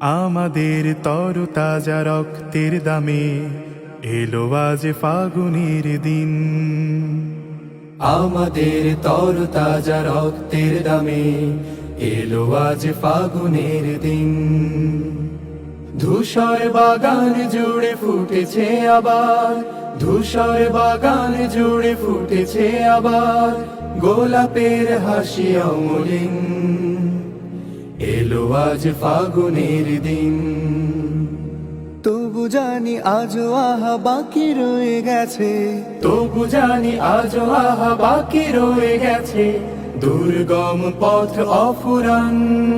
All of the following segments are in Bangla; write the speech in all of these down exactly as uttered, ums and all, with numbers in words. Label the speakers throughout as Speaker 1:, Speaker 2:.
Speaker 1: আমাদের তরতাজা রক্তের দামে এলো আজ ফাগুনের দিন।
Speaker 2: আমাদের তরতাজা রক্তের দামে এলো আজ ফাগুনের দিন। ধূসর বাগান জুড়ে ফুটেছে আবার, ধূসর বাগান জুড়ে ফুটেছে আবার গোলাপের হাসি অমলিন। এলো আজ ফাগুনের দিন।
Speaker 3: তবু জানি আজও আহা বাকি রয়ে গেছে,
Speaker 2: তবু জানি আজও আহা বাকি রয়ে গেছে দুর্গম পথ অফুরান।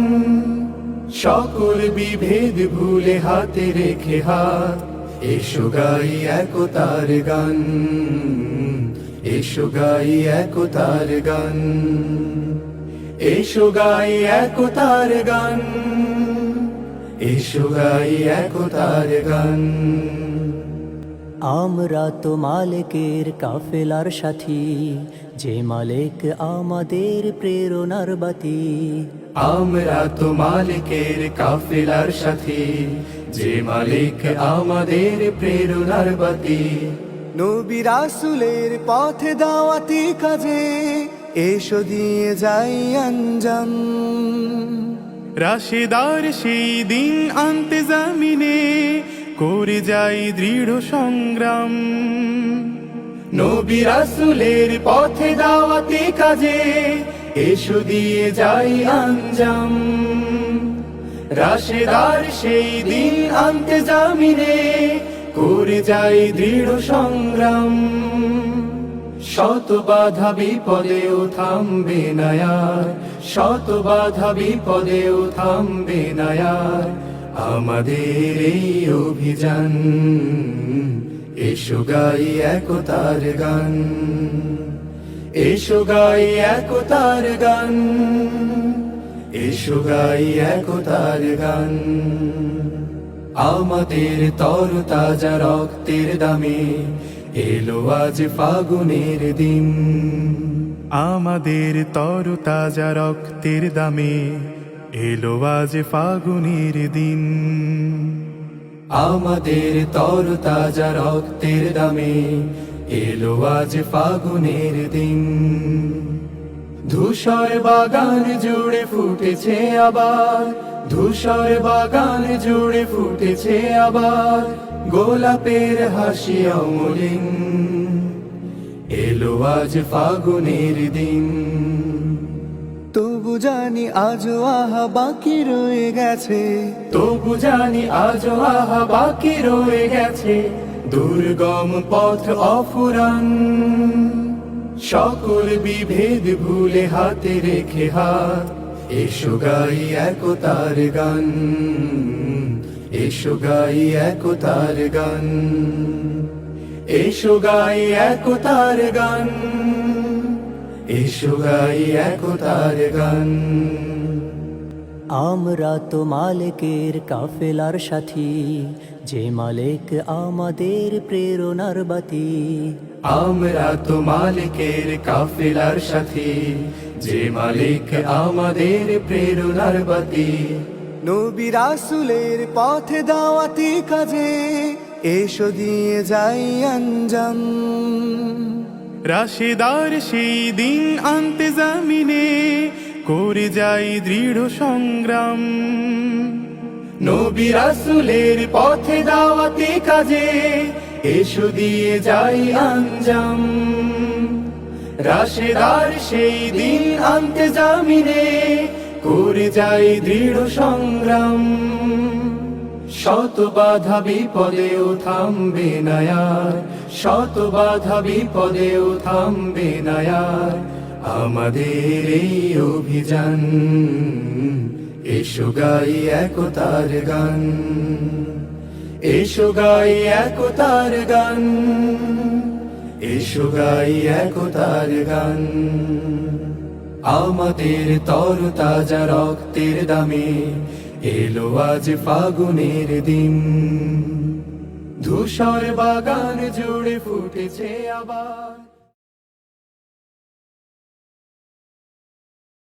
Speaker 2: সকল বিভেদ ভুলে হাতে রেখে হাত, এসো গাই একতার গান, এসো গাই একতার গান, এসো গাই একতার গান, এসো গাই একতার গান।
Speaker 3: আমরা তো মালিকের কাফেলার সাথী, যে মালিক আমাদের প্রেরণার বাতি।
Speaker 2: আমরা তো মালিকের কাফেলার সাথী, যে মালিক আমাদের প্রেরণার বাতি।
Speaker 3: নবী রাসূলের পথে দাওয়াতি কাজে এসো দিয়ে যাই আঞ্জাম।
Speaker 1: রাশেদার সেই দিন আনতে জামিনে করে যাই দৃঢ় সংগ্রাম।
Speaker 2: নবী রাসূলের পথে দাওয়াতি কাজে এসো দিয়ে যাই আঞ্জাম। রাশেদার সেই দিন আনতে জামিনে করে যাই দৃঢ় সংগ্রাম। শত বাধা বিপদেও থামবে না আর, শত বাধা বিপদেও থামবে না আর আমাদের এই অভিযান। এসো গাই একতার গান, এসো গাই একতার গান, এসো গাই একতার গান। আমাদের তরতাজা রক্তের দামে এলো আজ ফাগুনের দিন।
Speaker 1: আমাদের তরতাজা রক্তের দামে এলো আজ ফাগুনের দিন।
Speaker 2: আমাদের তরতাজা রক্তের দামে এলো আজ ফাগুনের দিন। ধূসর বাগান জুড়ে ফুটেছে আবার, ধূসর বাগান জুড়ে ফুটেছে আবার গোলাপের হাসি অমলিন। এলো আজ ফাগুনের দিন।
Speaker 3: তবু জানি আজও আহা বাকি রয়ে গেছে,
Speaker 2: তবু জানি আজও আহা বাকি রয়ে গেছে দুর্গম পথ অফুরান। সকল বিভেদ ভুলে হাতে রেখে হাত, এসো গাই একতার গান, এসো গাই একতার গান, এসো গাই একতার গান, এসো গাই একতার গান।
Speaker 3: আমরা তো মালিকের কাফেলার সাথী, যে মালিক আমাদের প্রেরণার বাতি।
Speaker 2: আমরা তো মালিকের কাফেলার সাথী, যে মালিক আমাদের প্রেরণার বাতি।
Speaker 3: নবী রাসূলের পথে দাওয়াতি কাজে এসো দিয়ে যাই আঞ্জাম।
Speaker 1: রাশেদার সেই দিন আনতে জামিনে করে যাই দৃঢ় সংগ্রাম।
Speaker 2: নবী রাসূলের পথে দাওয়াতি কাজে এসো দিয়ে যাই আঞ্জাম। রাশেদার সেই দিন আনতে জামিনে করে যাই দৃঢ় সংগ্রাম। শত বাধা বিপদেও থামবে না আর, শত বাধা বিপদেও থামবে না আর আমাদের এই অভিযান। এসো গাই একতার গান, এসো গাই একতার গান, এসো গাই একতার গান। আমাদের তরতাজা রক্তের দামে এলো আজ ফাগুনের দিন। ধূসর বাগান জুড়ে ফুটেছে আবার।